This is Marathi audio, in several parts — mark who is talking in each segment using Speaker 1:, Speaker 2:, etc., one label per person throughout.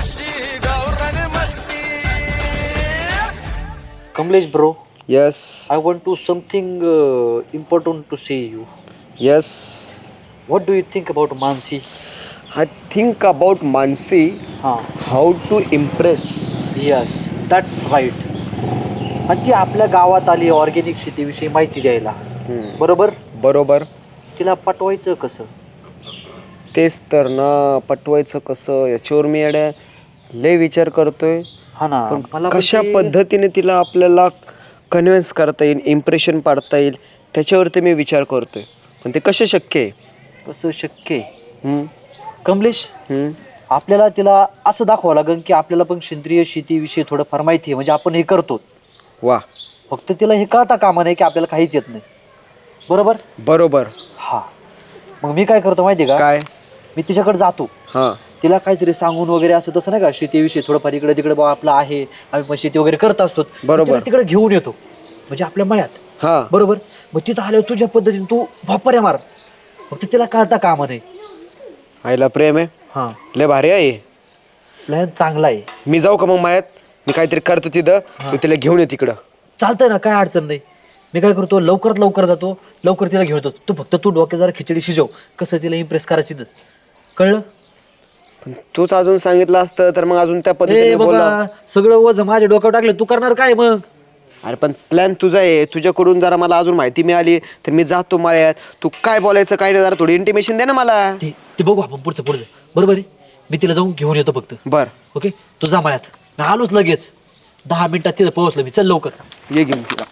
Speaker 1: Kamlesh bro,
Speaker 2: Yes.
Speaker 1: I want to something important to say you.
Speaker 2: Yes.
Speaker 1: What do you think about Mansi?
Speaker 2: I think about Mansi,
Speaker 1: Huh.
Speaker 2: how to impress.
Speaker 1: Yes, that's right. आणि ती आपल्या गावात आली ऑर्गॅनिक शेतीविषयी माहिती द्यायला. बरोबर?
Speaker 2: बरोबर.
Speaker 1: तिला पटवायचं कसं?
Speaker 2: तेच तर ना, पटवायचं कसं याच्यावर मी येड्या लय विचार करतोय.
Speaker 1: हा ना,
Speaker 2: पण
Speaker 1: मला पण
Speaker 2: कशा
Speaker 1: ते-
Speaker 2: पद्धतीने तिला आपल्याला कन्व्हिन्स करता येईल, इम्प्रेशन पाडता येईल त्याच्यावरती मी विचार करतोय. पण ते कसं शक्य आहे?
Speaker 1: कसं शक्य आहे?
Speaker 2: हम्म,
Speaker 1: कमलेश,
Speaker 2: हम्म.
Speaker 1: आपल्याला तिला असं दाखवावं लागेल की आपल्याला पण सेंद्रिय शेतीविषयी थोडंफार माहिती आहे, म्हणजे आपण हे करतो.
Speaker 2: वा,
Speaker 1: फक्त तिला हे कळता कामा नाही की आपल्याला काहीच येत नाही. बरोबर?
Speaker 2: बरोबर.
Speaker 1: हा. मग मी काय करतो माहिती आहे का?
Speaker 2: काय?
Speaker 1: मी तिच्याकडे जातो.
Speaker 2: हां.
Speaker 1: तिला काहीतरी सांगून वगैरे असं तसं नाही का, शेतीविषयी थोडंफार इकडे तिकडे बा आपलं आहे, आम्ही पण शेती वगैरे करत असतो.
Speaker 2: बरोबर.
Speaker 1: तिला तिकडे घेऊन येतो, म्हणजे आपल्या मळ्यात.
Speaker 2: हां.
Speaker 1: बरोबर. मग तिथं आल्यावर तुझ्या पद्धतीने तू भापऱ्या मार, फक्त तिला कळता कामा नाही.
Speaker 2: आईला प्रेम आहे.
Speaker 1: हां,
Speaker 2: लय भारी आहे.
Speaker 1: प्लॅन चांगला आहे.
Speaker 2: मी जाऊ का मग मळ्यात? मी काहीतरी करतो तिथं, तू तिला घेऊन ये तिकडं.
Speaker 1: चालतंय ना, काय अडचण नाही. मी काय करतो, लवकरात लवकर जातो, लवकर तिला घेऊन येतो. तू डोक्यात जरा खिचडी शिजव, कसं तिला इम्प्रेस करायची तर. कळलं?
Speaker 2: पण तूच अजून सांगितलं असतं तर मग अजून त्या पद्धतीने
Speaker 1: ए
Speaker 2: बोलला.
Speaker 1: बाबा, सगळं वज माझ्या डोक्यावर टाकलं, तू करणार काय मग?
Speaker 2: अरे पण प्लॅन तुझा आहे, तुझ्याकडून जरा मला अजून माहिती मिळाली तर मी जातो मळ्यात. तू काय बोलायचं काय नाही, जरा थोडी इंटिमेशन दे ना मला.
Speaker 1: ते ते बघू आपण पुढचं बरोबर आहे. मी तिला जाऊन घेऊन येतो फक्त.
Speaker 2: बर,
Speaker 1: ओके, तू जा मळ्यात. मी आलोच लगेच. 10 मिनिटात तिथं पोहोचलो मी. चल लवकर.
Speaker 2: ये घेऊन तिला.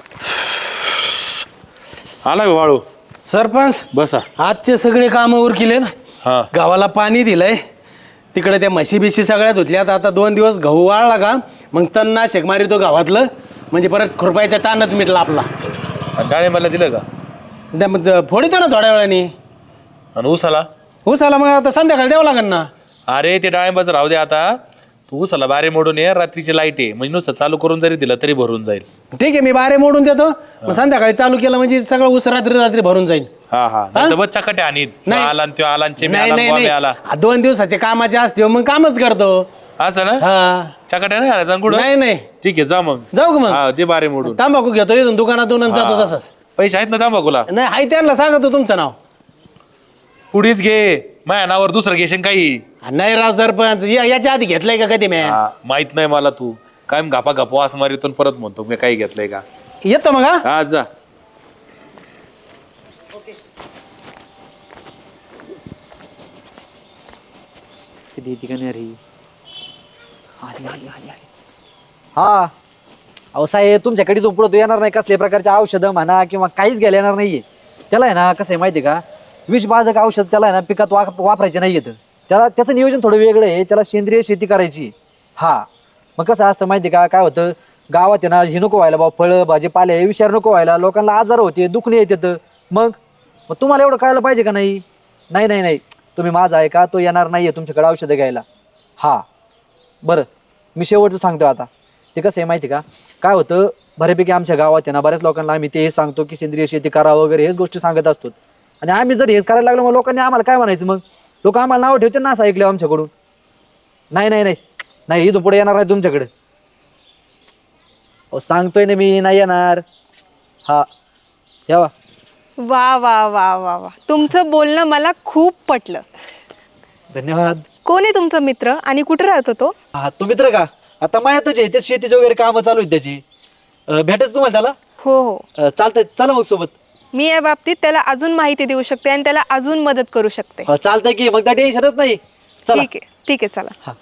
Speaker 3: आला का वाळू?
Speaker 4: सरपंच
Speaker 3: बसा.
Speaker 4: आजचे सगळे कामं उरकिले ना.
Speaker 3: हा.
Speaker 4: गावाला पाणी दिलंय, तिकडे त्या म्हशी बिशी सगळ्यात धुतल्यात. आता 2 दिवस गहू वाळला का मग तणनाशक मारितो गावातलं, म्हणजे परत खुरपायचा टाणच मिटला आपला.
Speaker 3: डाळिंबाला दिलं का?
Speaker 4: त्या मग फोडितो ना थोड्या वेळाने.
Speaker 3: आणि ऊसाला?
Speaker 4: ऊसाला मग आता संध्याकाळी द्यावं लागेल ना.
Speaker 3: अरे ते डाळिंबाचं राहू दे आता. तू ऊसाला बारे मोडून ये, रात्रीची लाईट आहे म्हणजे नुसतं चालू करून जरी दिला तरी भरून जाईल.
Speaker 4: ठीक आहे, मी बारे मोडून देतो, मग संध्याकाळी चालू केलं म्हणजे सगळं ऊस रात्री रात्री भरून जाईल.
Speaker 3: हा हा. नाही बच्चा कटे आणि
Speaker 4: नाही.
Speaker 3: आला आणि त्यो आला आणि चेमी
Speaker 4: नाही
Speaker 3: आला
Speaker 4: नाही
Speaker 3: आणि
Speaker 4: नाही,
Speaker 3: बॉम्बे आला.
Speaker 4: 2 दिवसाचे कामाचे असते मग कामच करतो.
Speaker 3: असं ना?
Speaker 4: हा,
Speaker 3: चकाट्या नाही आला कुठं?
Speaker 4: नाही नाही,
Speaker 3: ठीक आहे, जा मग.
Speaker 4: जाऊ का मग?
Speaker 3: हा, ते बारे मोडून.
Speaker 4: तांबाखू घेतो इथून दुकानातून आणि जातो
Speaker 3: हा.
Speaker 4: तसंच.
Speaker 3: पैसे आहेत ना तांबाखूला?
Speaker 4: नाही, हाय त्यांना सांगतो तुमचं नाव.
Speaker 3: पुढीच घे, माझ्या नावावर दुसरं घेशील काही.
Speaker 4: नाही राव सरपंच, याच्या आधी घेतलंय का कधी मी?
Speaker 3: हा, माहित नाही मला. तू काय घापा घापा वास मारितून परत म्हणतो मी काही घेतलंय का.
Speaker 4: येतो मग. हा,
Speaker 3: हा जा.
Speaker 1: हा, अहो साहेब, तुमच्याकडे इथून पुढं येणार नाही कसल्या प्रकारचे औषधं म्हणा किंवा काहीच घ्यायला येणार नाहीये. त्याला आहे ना, कसं आहे माहिती आहे का, विषबाधक औषध त्याला आहे ना पिकात वापरायचे नाही येतं. त्याला त्याचं नियोजन थोडं वेगळं आहे. त्याला सेंद्रिय शेती करायची. हा, मग कसं असतं माहिती आहे का, काय होतं गावात आहे ना, हे नको व्हायला बा, फळं भाजीपाले हे विचार नको व्हायला, लोकांना आजार होते, दुखणे येतात. मग मग तुम्हाला एवढं कळायला पाहिजे का नाही? नाही नाही नाही, तुम्ही माझा आहे का, तो येणार नाहीये तुमच्याकडे औषधं घ्यायला. हा, बरं, मी शेवटचं सांगतो आता. ते कसं आहे माहिती का, काय होतं बऱ्यापैकी आमच्या गावात आहे ना, बऱ्याच लोकांना आम्ही ते सांगतो की सेंद्रिय शेती करा वगैरे, हेच गोष्टी सांगत असतो. आणि आम्ही जर हे करायला लागलो मग लोकांनी आम्हाला काय म्हणायचं? मग लोक आम्हाला नाव ठेवते ना असं ऐकलं आमच्याकडून. नाही नाही नाही नाही, इथून पुढे येणार आहे तुमच्याकडे. अहो सांगतोय ना मी, नाही येणार. हा, यावा.
Speaker 5: वा वा वा वा वा, तुमचं बोलणं मला खूप पटलं.
Speaker 1: धन्यवाद.
Speaker 5: कोण आहे तुमचा मित्र आणि कुठे राहतो तो?
Speaker 1: हा, तो मित्र का? आता मायातच आहे, ते शेतीचे वगैरे कामं चालू आहेत त्याची. भेटायचं तुम्हाला त्याला?
Speaker 5: हो हो,
Speaker 1: चालतंय, चला मग सोबत.
Speaker 5: मी या बाबतीत त्याला अजून माहिती देऊ शकते आणि त्याला अजून मदत करू शकते.
Speaker 1: चालतंय की, मग त्या टेन्शनच नाही. चला.
Speaker 5: ठीक आहे चला.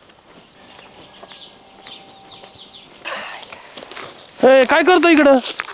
Speaker 4: काय करतो इकडं?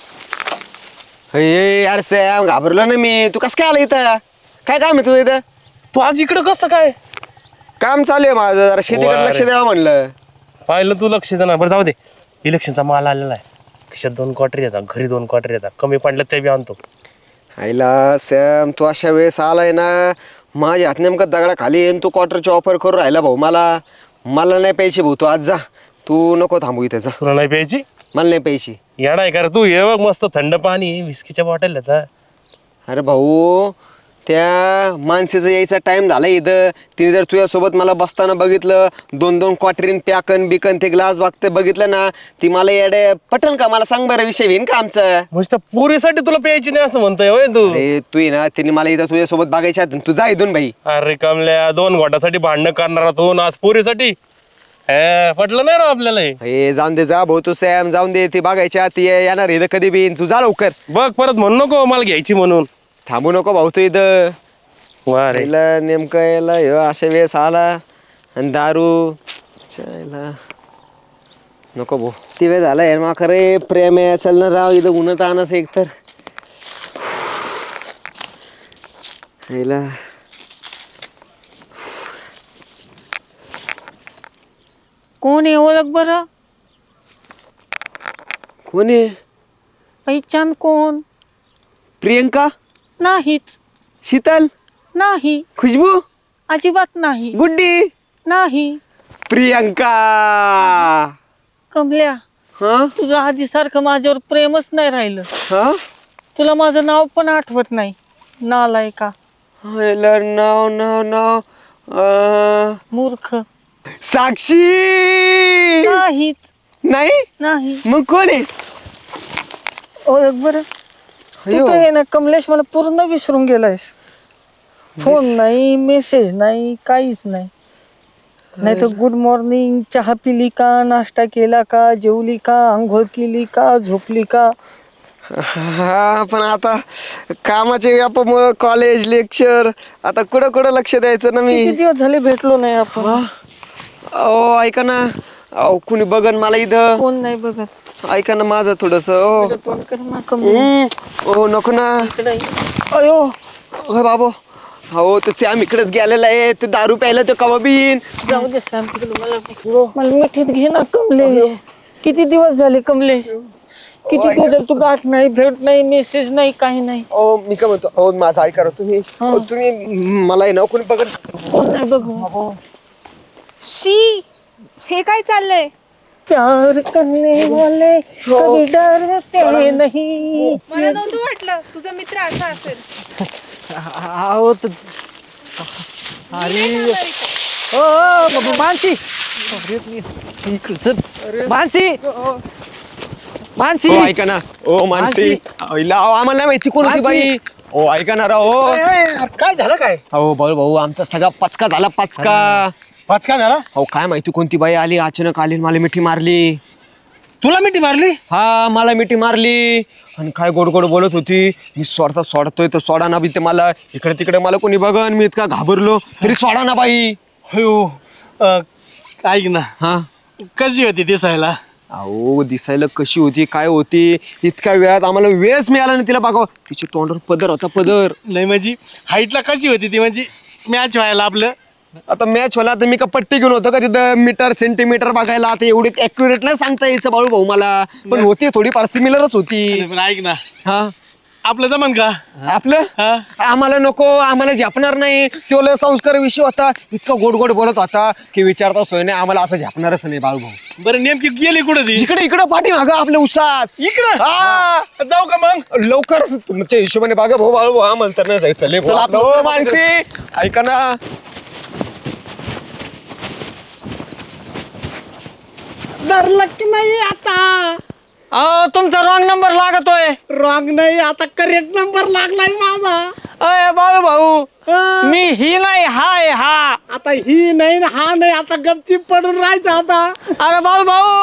Speaker 2: यार सॅम, घाबरलो ना मी. तू कसं काय आला इथं? काय काम आहे तुझं इथं?
Speaker 4: तू आज इकडं कसं काय?
Speaker 2: काम चालू आहे माझं, जरा शेतीकडे लक्ष द्यावं म्हणलं.
Speaker 4: पाहिलं तू लक्ष दे ना. बरं जाऊ दे, इलेक्शनचा माल आलेला आहे. खिशात 2 क्वार्टर येतात, घरी 2 क्वार्टर येतात, कमी पडलं ते बी आणतो.
Speaker 2: आईला सॅम, तू अशा वेळेस आलाय ना, माझ्या हात नेमकं दगडा खाली येईन. तू क्वार्टरची ऑफर करून राहिला भाऊ. मला नाही प्यायची भाऊ. तू आज जा, तू नको थांबू इथे. जा,
Speaker 4: तुला नाही प्यायची?
Speaker 2: मला नाही प्यायची.
Speaker 4: येणार आहे का रे तू? ये बघ, मस्त थंड पाणी, विस्कीच्या बॉटल येतात.
Speaker 2: अरे भाऊ, त्या माणसाचं यायचा टाइम झाला इथं. तिने जर तुझ्यासोबत मला बसताना बघितलं, 2-2 क्वार्टरीन प्याकन बिकन ते ग्लास बघते बघितलं ना, ती मला येडे पटन का? मला सांग बरं, विषय होईन का आमचा?
Speaker 6: म्हणजे त्या पोरीसाठी तुला प्यायची नाही असं म्हणतोय होय तू?
Speaker 2: अरे तू ये ना, तिने मला इथं तुझ्यासोबत बघायच्या आधी तू जा इथून भाई.
Speaker 6: अरे कमल्या, 2 घोटासाठी भांडणं करणारा तू ना आज पोरीसाठी? पटलं नाही राव आपल्याला हे.
Speaker 2: हे जाऊन दे, जा भाऊ तू सॅम, जाऊन दे. ती बघायच्या ती येणार इथं कधी बी. तू जा लवकर,
Speaker 6: बघ परत म्हणू नको मला घ्यायची म्हणून.
Speaker 2: थांबू नको भाऊ तू इथं.
Speaker 6: वा रे.
Speaker 2: याला नेमकं याला ह्यो अशा वेळेस आला आणि दारू चायला नको भाऊ. ती वेळ झाला यार, मा खरे प्रेम आहे. चल ना राव, इथं उन्हात आणस एक तर याला.
Speaker 7: कोण आहे ओळख बरं?
Speaker 2: कोण आहे?
Speaker 7: पहिचान कोण?
Speaker 2: प्रियंका?
Speaker 7: नाहीच.
Speaker 2: शीतल?
Speaker 7: नाही,
Speaker 2: खुशबू?
Speaker 7: अजिबात नाही.
Speaker 2: गुड्डी?
Speaker 7: नाही.
Speaker 2: प्रियंका.
Speaker 7: कमल्या,
Speaker 2: हा
Speaker 7: तुझं आधीसारखं माझ्यावर प्रेमच नाही राहिलं.
Speaker 2: हा
Speaker 7: तुला माझं नाव पण आठवत नाही. नालायका,
Speaker 2: याला नाव नाव नाव
Speaker 7: मूर्ख.
Speaker 2: साक्षी?
Speaker 7: नाहीच.
Speaker 2: नाही?
Speaker 7: नाही.
Speaker 2: मग कोण आहे?
Speaker 7: ओळख बरं. तू तर हे ना कमलेश, मला पूर्ण विसरून गेलायस. फोन नाही, मेसेज नाही, काहीच नाही. नाही तर गुड मॉर्निंग, चहा पिली का, नाश्ता केला का, जेवली का, आंघोळ केली का, झोपली का?
Speaker 2: हा पण आता कामाच्या व्यापामुळे कॉलेज लेक्चर, आता कुठं कुठं लक्ष द्यायचं ना मी.
Speaker 7: किती दिवस झाले भेटलो नाही आपण.
Speaker 2: अहो ऐका ना, अहो कुणी बघन मला इथं.
Speaker 7: कोण नाही बघत.
Speaker 2: ऐका ना माझं थोडस. ओ
Speaker 7: तोंड कर ना कमलेश.
Speaker 2: ओ नको ना.
Speaker 7: इकडे ये.
Speaker 2: अयो अहो बाबो, हो तर सॅम इकडेच गेलेला आहे. ते दारू प्यायला तो कवा बीन.
Speaker 7: जाऊ दे सॅम, तिकडे मला मिठीत घे ना कमलेश. किती दिवस झाले कमलेश, किती दिवस झाले तू गाठ नाही, भेट नाही, मेसेज नाही, काही नाही.
Speaker 2: ओ मी काय म्हणतो, हो माझं ऐका राव तुम्ही. अहो, तुम्ही मला आहे ना कोणी बघत.
Speaker 7: कोण नाही बघू.
Speaker 5: शी, हे काय चाललंय?
Speaker 7: प्यार करने वाले कभी डरते नहीं.
Speaker 5: मला नव्हतं वाटलं तुझा मित्र असा असेल.
Speaker 1: अहो अरे मानसी, इकडे चल. मानसी, मानसी.
Speaker 2: हो ऐका ना, ओ मानसी. अहो, आम्हाला नाही माहिती कोण होती बाई. ओ ऐका ना राव.
Speaker 4: काय झालं काय?
Speaker 2: अहो भाऊ आमचा सगळा पचका झाला, पचका.
Speaker 4: पचका झाला?
Speaker 2: अहो काय माहिती कोणती बाई आली अचानक, आली मला मिठी मारली.
Speaker 4: तुला मिठी मारली?
Speaker 2: हा मला मिठी मारली आणि काय गोड गोड बोलत होती. मी सोडतोय तर सोडा ना बी. ते मला इकडे तिकडे मला कोणी बघन, मी इतका घाबरलो तरी सोडा ना बाई.
Speaker 4: हो. ऐक ना,
Speaker 2: हा
Speaker 4: कशी होती दिसायला?
Speaker 2: अहो दिसायला कशी होती, काय होती, इतक्या वेळात आम्हाला वेळच मिळाला नाही तिला बघावं. तिच्या तोंडावर पदर होता, पदर.
Speaker 4: नाही म्हणजे हाईटला कशी होती ती, म्हणजे मॅच व्हायला आपलं?
Speaker 2: आता मॅच होला तर मी का पट्टी घेऊन होतो का तिथं मीटर सेंटीमीटर बघायला? आता एवढी ऍक्युरेट नाही सांगता यायचं बाळू भाऊ मला, पण होती थोडीफार सिमिलरच होती.
Speaker 4: पण ऐक ना,
Speaker 2: हा
Speaker 4: आपलं जमन का?
Speaker 2: आपलं
Speaker 4: हा?
Speaker 2: आम्हाला नको, आम्हाला झेपणार नाही. तो लय संस्कार विषय होता, इतका गोड गोड बोलत होता की विचारता सोय नाही. आम्हाला असं झेपणारच नाही बाळू भाऊ.
Speaker 4: बरं नेमकी गेली कुठं ती?
Speaker 2: इकडे इकडे पाठी मागं आपल्या उसात.
Speaker 4: इकडं?
Speaker 2: हा
Speaker 4: जाऊ का मग?
Speaker 2: लवकरच तुमच्या हिशोबाने बागा भाऊ बाळू भाऊ आम्हाला तर नाही जायचं. लय भाऊ आपलं. हो मानसी ऐका ना.
Speaker 7: धरलं की नाही आता? तुमचा रॉंग नंबर लागतोय. रॉंग नाही, आता करेक्ट नंबर लागलाय माझा. अय बाळू भाऊ, मी ही नाही, हा आहे हा. आता ही नाही ना हा नाही, आता गपचीप पडून राहायचं आता. अरे बाळू भाऊ,